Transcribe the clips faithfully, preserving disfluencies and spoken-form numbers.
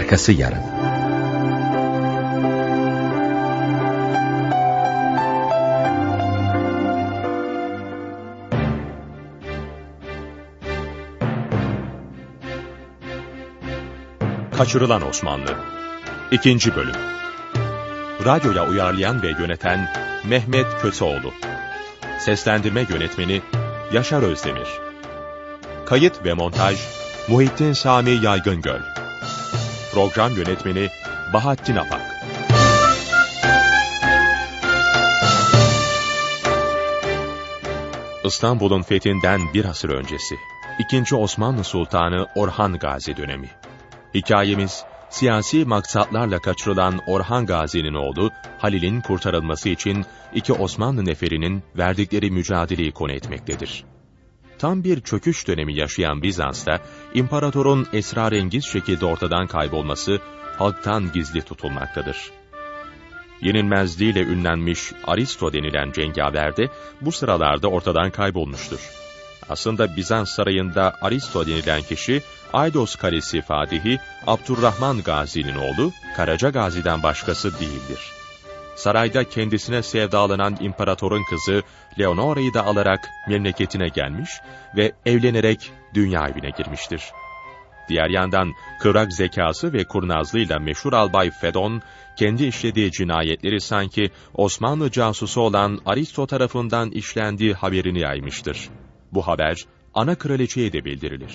Arkası yarın. Kaçırılan Osmanlı İkinci Bölüm. Radyoya uyarlayan ve yöneten Mehmet Köseoğlu. Seslendirme yönetmeni Yaşar Özdemir. Kayıt ve montaj Muhittin Sami Yaygıngöl. Program yönetmeni Bahattin Apak. İstanbul'un fethinden bir asır öncesi. İkinci Osmanlı Sultanı Orhan Gazi dönemi. Hikayemiz, siyasi maksatlarla kaçırılan Orhan Gazi'nin oğlu Halil'in kurtarılması için iki Osmanlı neferinin verdikleri mücadeleyi konu etmektedir. Tam bir çöküş dönemi yaşayan Bizans'ta, imparatorun esrarengiz şekilde ortadan kaybolması halktan gizli tutulmaktadır. Yenilmezliğiyle ünlenmiş Aristo denilen cengaver de bu sıralarda ortadan kaybolmuştur. Aslında Bizans sarayında Aristo denilen kişi, Aydos Kalesi Fatihi Abdurrahman Gazi'nin oğlu Karaca Gazi'den başkası değildir. Sarayda kendisine sevdalanan imparatorun kızı Leonora'yı da alarak memleketine gelmiş ve evlenerek dünya evine girmiştir. Diğer yandan kıvrak zekası ve kurnazlığıyla meşhur albay Fedon, kendi işlediği cinayetleri sanki Osmanlı casusu olan Aristo tarafından işlendiği haberini yaymıştır. Bu haber ana kraliçeye de bildirilir.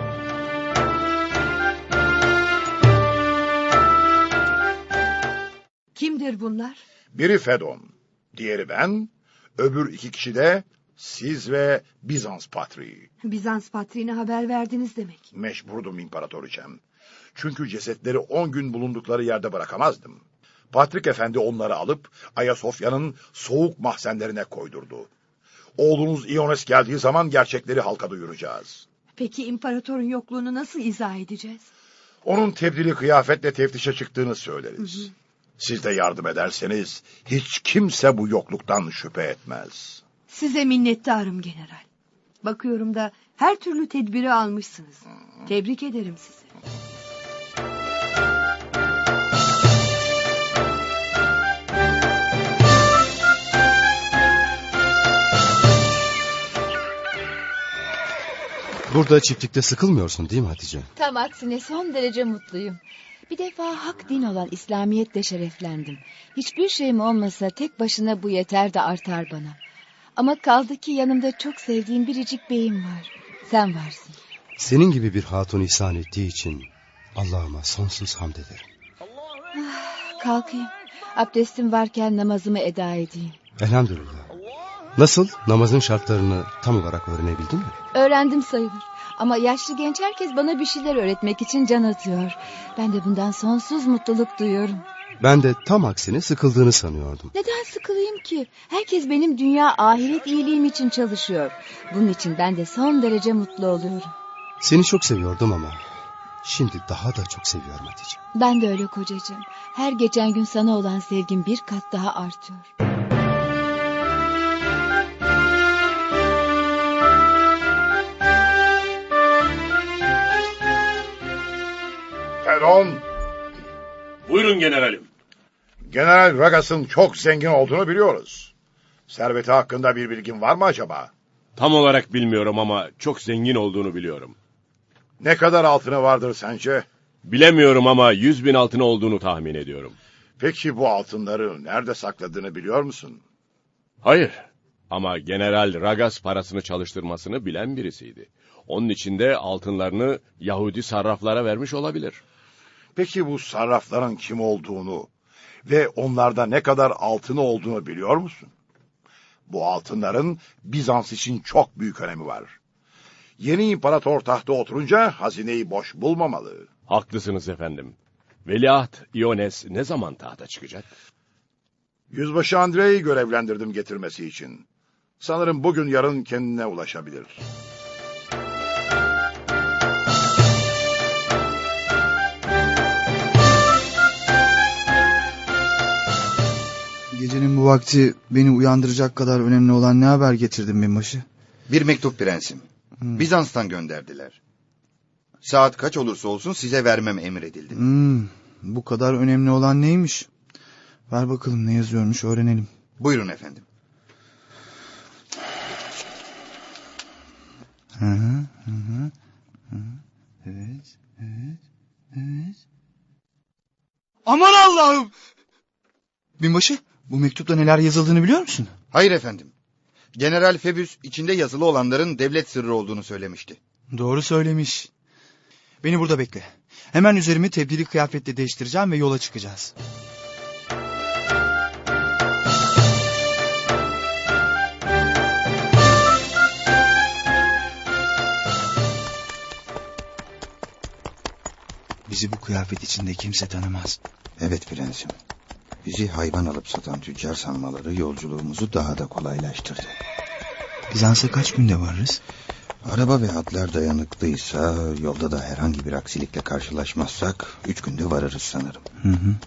Kimdir bunlar? Biri Fedon, diğeri ben, öbür iki kişi de siz ve Bizans patriği. Bizans patriğine haber verdiniz demek. Mecburdum imparatoriçem. Çünkü cesetleri on gün bulundukları yerde bırakamazdım. Patrik Efendi onları alıp Ayasofya'nın soğuk mahzenlerine koydurdu. Oğlunuz İones geldiği zaman gerçekleri halka duyuracağız. Peki imparatorun yokluğunu nasıl izah edeceğiz? Onun tebdili kıyafetle teftişe çıktığını söyleriz. Hı hı. Siz de yardım ederseniz hiç kimse bu yokluktan şüphe etmez. Size minnettarım general. Bakıyorum da her türlü tedbiri almışsınız. Hı. Tebrik ederim sizi. Burada çiftlikte sıkılmıyorsun değil mi Hatice? Tam aksine son derece mutluyum. Bir defa hak din olan İslamiyetle şereflendim. Hiçbir şeyim olmasa tek başına bu yeter de artar bana. Ama kaldı ki yanımda çok sevdiğim biricik beyim var. Sen varsın. Senin gibi bir hatun ihsan ettiği için Allah'ıma sonsuz hamd ederim. Ah, kalkayım. Abdestim varken namazımı eda edeyim. Elhamdülillah. Nasıl? Namazın şartlarını tam olarak öğrenebildin mi? Öğrendim sayılır. Ama yaşlı genç herkes bana bir şeyler öğretmek için can atıyor. Ben de bundan sonsuz mutluluk duyuyorum. Ben de tam aksine sıkıldığını sanıyordum. Neden sıkılayım ki? Herkes benim dünya ahiret iyiliğim için çalışıyor. Bunun için ben de son derece mutlu oluyorum. Seni çok seviyordum ama şimdi daha da çok seviyorum Hatice. Ben de öyle kocacığım. Her geçen gün sana olan sevgim bir kat daha artıyor. Fedon. Buyurun generalim. General Ragas'ın çok zengin olduğunu biliyoruz. Serveti hakkında bir bilgin var mı acaba? Tam olarak bilmiyorum ama çok zengin olduğunu biliyorum. Ne kadar altını vardır sence? Bilemiyorum ama yüz bin altını olduğunu tahmin ediyorum. Peki bu altınları nerede sakladığını biliyor musun? Hayır ama General Ragas parasını çalıştırmasını bilen birisiydi. Onun için de altınlarını Yahudi sarraflara vermiş olabilir. Peki bu sarrafların kim olduğunu ve onlarda ne kadar altını olduğunu biliyor musun? Bu altınların Bizans için çok büyük önemi var. Yeni imparator tahta oturunca hazineyi boş bulmamalı. Haklısınız efendim. Veliaht İones ne zaman tahta çıkacak? Yüzbaşı Andrei'yi görevlendirdim getirmesi için. Sanırım bugün yarın kendine ulaşabilir. Gecenin bu vakti beni uyandıracak kadar önemli olan ne haber getirdin binbaşı? Bir mektup prensim. Hmm. Bizans'tan gönderdiler. Saat kaç olursa olsun size vermem emredildi. Hmm, bu kadar önemli olan neymiş? Ver bakalım ne yazıyormuş öğrenelim. Buyurun efendim. Hı hı hı hı. Evet, evet, evet. Aman Allah'ım! Binbaşı, bu mektupta neler yazıldığını biliyor musun? Hayır efendim. General Febüs içinde yazılı olanların devlet sırrı olduğunu söylemişti. Doğru söylemiş. Beni burada bekle. Hemen üzerimi tebdili kıyafetle değiştireceğim ve yola çıkacağız. Bizi bu kıyafet içinde kimse tanımaz. Evet prensim. Bizi hayvan alıp satan tüccar sanmaları yolculuğumuzu daha da kolaylaştırdı. Bizans'a kaç günde varırız? Araba ve atlar dayanıklıysa, yolda da herhangi bir aksilikle karşılaşmazsak üç günde varırız sanırım. Hı hı.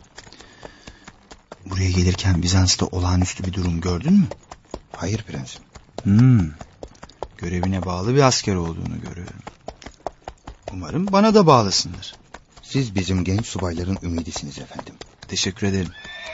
Buraya gelirken Bizans'ta olağanüstü bir durum gördün mü? Hayır prensim. Hmm. Görevine bağlı bir asker olduğunu görüyorum. Umarım bana da bağlısındır. Siz bizim genç subayların ümidisiniz efendim. Teşekkür ederim.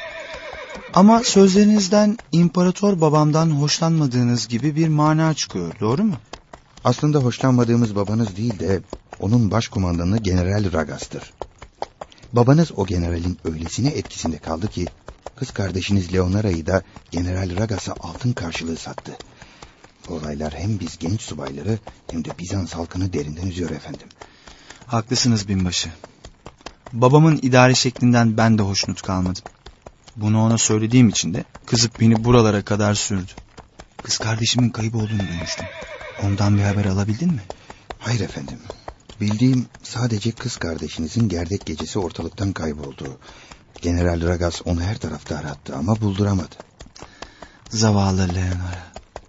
Ama sözlerinizden imparator babamdan hoşlanmadığınız gibi bir mana çıkıyor, doğru mu? Aslında hoşlanmadığımız babanız değil de onun başkumandanı General Ragas'tır. Babanız o generalin öylesine etkisinde kaldı ki kız kardeşiniz Leonora'yı da General Ragas'a altın karşılığı sattı. Bu olaylar hem biz genç subayları hem de Bizans halkını derinden üzüyor efendim. Haklısınız binbaşı. Babamın idare şeklinden ben de hoşnut kalmadım. Bunu ona söylediğim için de kızıp beni buralara kadar sürdü. Kız kardeşimin kayıp olduğunu duymuştum. Ondan bir haber alabildin mi? Hayır efendim. Bildiğim sadece kız kardeşinizin gerdek gecesi ortalıktan kayboldu. General Ragas onu her tarafta arattı ama bulduramadı. Zavallı Leonora.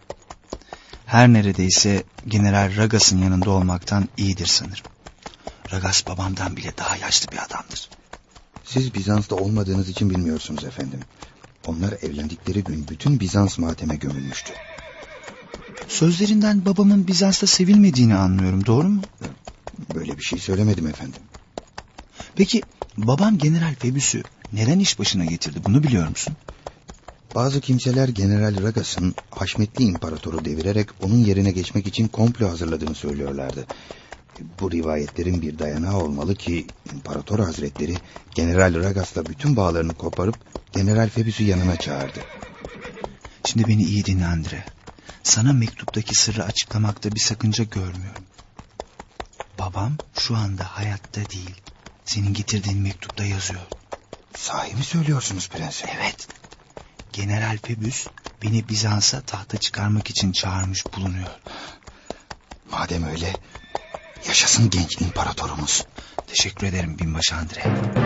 Her neredeyse General Ragas'ın yanında olmaktan iyidir sanırım. Ragas babamdan bile daha yaşlı bir adamdır. Siz Bizans'ta olmadığınız için bilmiyorsunuz efendim. Onlar evlendikleri gün bütün Bizans mateme gömülmüştü. Sözlerinden babamın Bizans'ta sevilmediğini anlıyorum, doğru mu? Böyle bir şey söylemedim efendim. Peki babam General Febüs'ü neden iş başına getirdi, bunu biliyor musun? Bazı kimseler General Ragas'ın Haşmetli İmparatoru devirerek onun yerine geçmek için komplo hazırladığını söylüyorlardı. Bu rivayetlerin bir dayanağı olmalı ki İmparator Hazretleri General Ragas'la bütün bağlarını koparıp General Febüs'ü yanına çağırdı. Şimdi beni iyi dinle Andre. Sana mektuptaki sırrı açıklamakta bir sakınca görmüyorum. Babam şu anda hayatta değil. Senin getirdiğin mektupta yazıyor. Sahi mi söylüyorsunuz prensim? Evet. General Febüs beni Bizans'a tahta çıkarmak için çağırmış bulunuyor. Madem öyle, yaşasın genç imparatorumuz. Teşekkür ederim binbaşı Andre.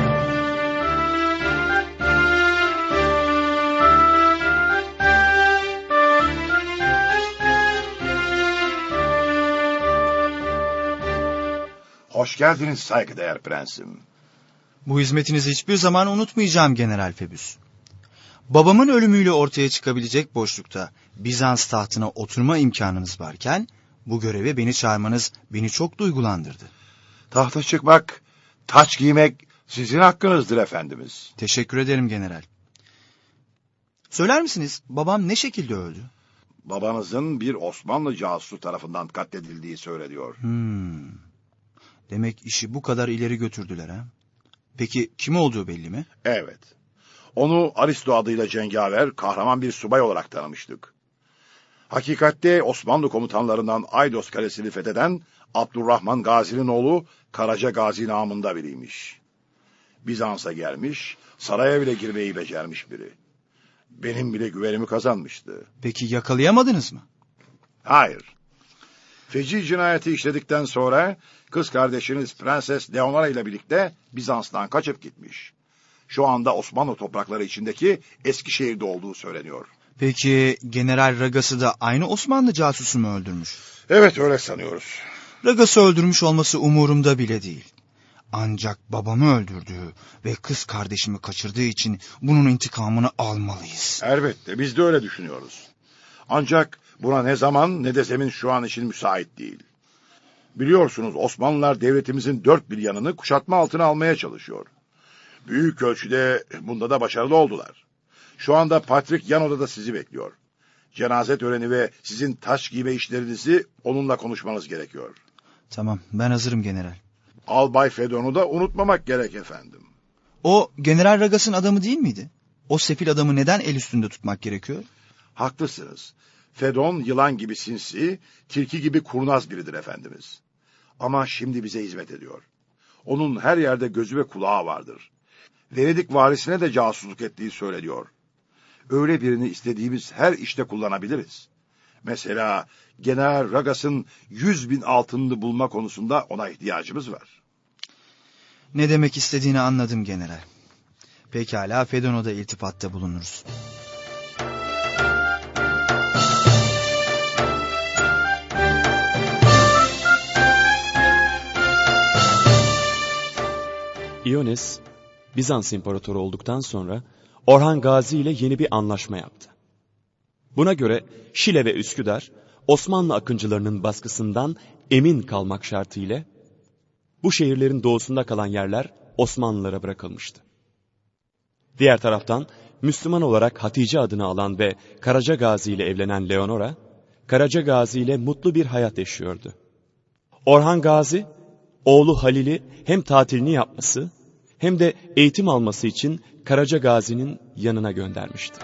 Hoş geldiniz saygıdeğer prensim. Bu hizmetinizi hiçbir zaman unutmayacağım General Febüs. Babamın ölümüyle ortaya çıkabilecek boşlukta Bizans tahtına oturma imkanınız varken bu göreve beni çağırmanız beni çok duygulandırdı. Tahta çıkmak, taç giymek sizin hakkınızdır efendimiz. Teşekkür ederim general. Söyler misiniz babam ne şekilde öldü? Babanızın bir Osmanlı casusu tarafından katledildiği söyleniyor. Hmm. Demek işi bu kadar ileri götürdüler ha? Peki kim olduğu belli mi? Evet. Onu Aristo adıyla cengaver, kahraman bir subay olarak tanımıştık. Hakikatte Osmanlı komutanlarından Aydos Kalesi'ni fetheden Abdurrahman Gazi'nin oğlu Karaca Gazi namında biriymiş. Bizans'a gelmiş, saraya bile girmeyi becermiş biri. Benim bile güvenimi kazanmıştı. Peki yakalayamadınız mı? Hayır. Feci cinayeti işledikten sonra kız kardeşiniz Prenses Leonora ile birlikte Bizans'tan kaçıp gitmiş. Şu anda Osmanlı toprakları içindeki Eskişehir'de olduğu söyleniyor. Peki General Ragas'ı da aynı Osmanlı casusu mu öldürmüş? Evet, öyle sanıyoruz. Ragas'ı öldürmüş olması umurumda bile değil. Ancak babamı öldürdüğü ve kız kardeşimi kaçırdığı için bunun intikamını almalıyız. Elbette, biz de öyle düşünüyoruz. Ancak buna ne zaman ne de zemin şu an için müsait değil. Biliyorsunuz Osmanlılar devletimizin dört bir yanını kuşatma altına almaya çalışıyor. Büyük ölçüde bunda da başarılı oldular. Şu anda Patrik yan odada sizi bekliyor. Cenaze töreni ve sizin taç giyme işlerinizi onunla konuşmanız gerekiyor. Tamam, ben hazırım general. Albay Fedon'u da unutmamak gerek efendim. O General Ragas'ın adamı değil miydi? O sefil adamı neden el üstünde tutmak gerekiyor? Haklısınız. Fedon yılan gibi sinsi, tilki gibi kurnaz biridir efendimiz. Ama şimdi bize hizmet ediyor. Onun her yerde gözü ve kulağı vardır. Venedik varisine de casusluk ettiği söyleniyor. Öyle birini istediğimiz her işte kullanabiliriz. Mesela General Ragas'ın yüz bin altınını bulma konusunda ona ihtiyacımız var. Ne demek istediğini anladım general. Pekala, Fedon'a da iltifatta bulunuruz. İones, Bizans İmparatoru olduktan sonra Orhan Gazi ile yeni bir anlaşma yaptı. Buna göre Şile ve Üsküdar, Osmanlı akıncılarının baskısından emin kalmak şartıyla bu şehirlerin doğusunda kalan yerler Osmanlılara bırakılmıştı. Diğer taraftan Müslüman olarak Hatice adını alan ve Karaca Gazi ile evlenen Leonora, Karaca Gazi ile mutlu bir hayat yaşıyordu. Orhan Gazi, oğlu Halil'i hem tatilini yapması hem de eğitim alması için Karaca Gazi'nin yanına göndermişti.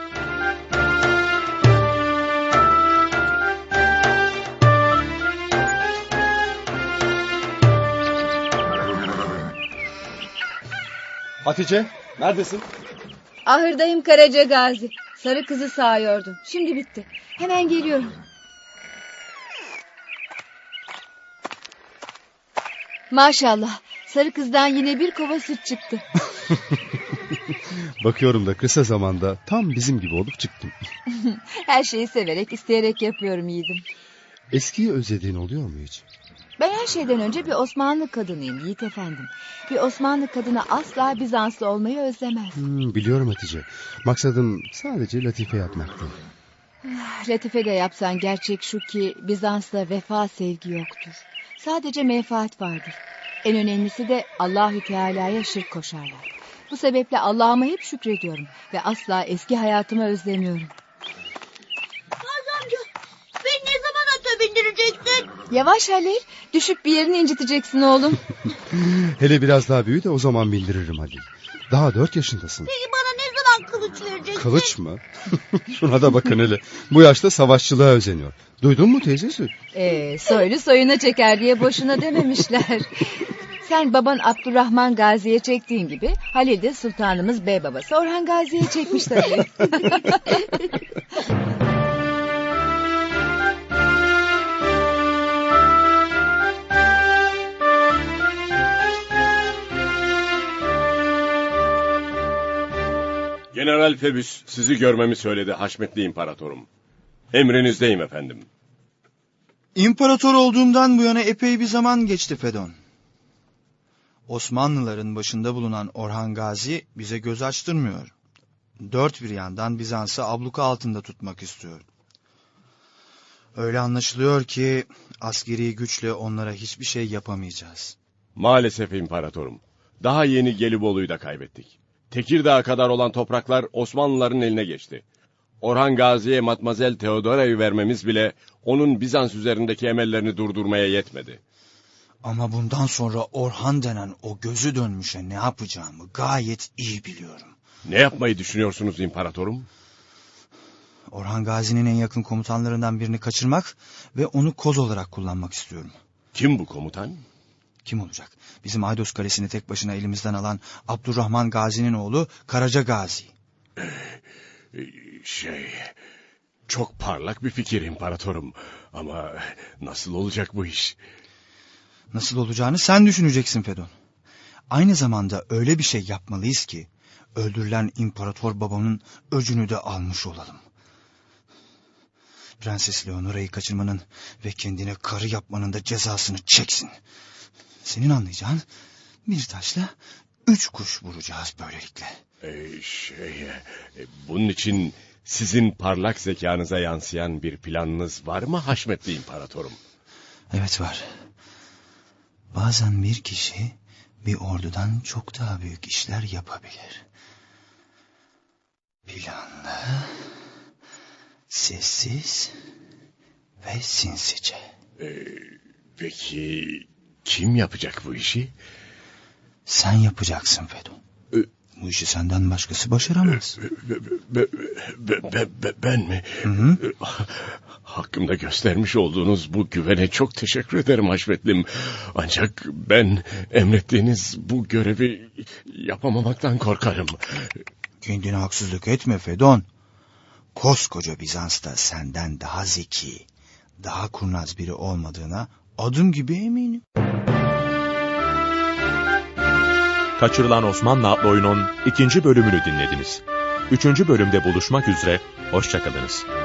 Hatice, neredesin? Ahırdayım Karaca Gazi. Sarı kızı sağıyordum. Şimdi bitti. Hemen geliyorum. Maşallah. Sarı kızdan yine bir kova süt çıktı. Bakıyorum da kısa zamanda tam bizim gibi olup çıktım. Her şeyi severek, isteyerek yapıyorum yiğidim. Eskiyi özlediğin oluyor mu hiç? Ben her şeyden önce bir Osmanlı kadınıyım Yiğit efendim. Bir Osmanlı kadını asla Bizanslı olmayı özlemez. Hmm, biliyorum Hatice. Maksadım sadece latife yapmaktı. Latife de yapsan gerçek şu ki Bizans'ta vefa sevgi yoktur. Sadece menfaat vardır. En önemlisi de Allahü Teala'ya şirk koşarlar. Bu sebeple Allah'ıma hep şükrediyorum ve asla eski hayatımı özlemiyorum. Gazi amca, beni ne zaman ata bindireceksin? Yavaş Halil, düşüp bir yerini inciteceksin oğlum. Hele biraz daha büyü de o zaman bildiririm Halil. Daha dört yaşındasın. Peki bana ne zaman kılıç vereceksin? Kılıç mı? Şuna da bakın hele. Bu yaşta savaşçılığa özeniyor. Duydun mu teyzesi? Ee, soylu soyuna çeker diye boşuna dememişler. Sen baban Abdurrahman Gazi'ye çektiğin gibi Halil de sultanımız bey babası Orhan Gazi'ye çekmiş tabii. General Febüs sizi görmemi söyledi Haşmetli İmparatorum. Emrinizdeyim efendim. İmparator olduğumdan bu yana epey bir zaman geçti Fedon. Osmanlıların başında bulunan Orhan Gazi bize göz açtırmıyor. Dört bir yandan Bizans'ı abluka altında tutmak istiyor. Öyle anlaşılıyor ki askeri güçle onlara hiçbir şey yapamayacağız. Maalesef İmparatorum. Daha yeni Gelibolu'yu da kaybettik. Tekirdağ'a kadar olan topraklar Osmanlıların eline geçti. Orhan Gazi'ye Matmazel Theodora'yı vermemiz bile onun Bizans üzerindeki emellerini durdurmaya yetmedi. Ama bundan sonra Orhan denen o gözü dönmüşe ne yapacağımı gayet iyi biliyorum. Ne yapmayı düşünüyorsunuz İmparatorum? Orhan Gazi'nin en yakın komutanlarından birini kaçırmak ve onu koz olarak kullanmak istiyorum. Kim bu komutan? Kim olacak? Bizim Aydos Kalesi'ni tek başına elimizden alan Abdurrahman Gazi'nin oğlu Karaca Gazi. Ee, şey... Çok parlak bir fikir İmparatorum. Ama nasıl olacak bu iş? Nasıl olacağını sen düşüneceksin Fedon. Aynı zamanda öyle bir şey yapmalıyız ki öldürülen imparator babamın öcünü de almış olalım. Prenses Leonora'yı kaçırmanın ve kendine karı yapmanın da cezasını çeksin. Senin anlayacağın bir taşla üç kuş vuracağız böylelikle. Ee, şey, e, bunun için sizin parlak zekanıza yansıyan bir planınız var mı Haşmetli İmparatorum? Evet var. Bazen bir kişi bir ordudan çok daha büyük işler yapabilir. Planlı, sessiz ve sinsice. Ee, peki kim yapacak bu işi? Sen yapacaksın Fedon. Ee, Bu işi senden başkası başaramaz. Be, be, be, be, ben mi? Hı hı. Hakkımda göstermiş olduğunuz bu güvene çok teşekkür ederim Haşmetlim. Ancak ben emrettiğiniz bu görevi yapamamaktan korkarım. Kendine haksızlık etme Fedon. Koskoca Bizans'ta senden daha zeki, daha kurnaz biri olmadığına adım gibi eminim. Kaçırılan Osmanlı adlı oyunun ikinci bölümünü dinlediniz. Üçüncü bölümde buluşmak üzere, hoşça kalınız.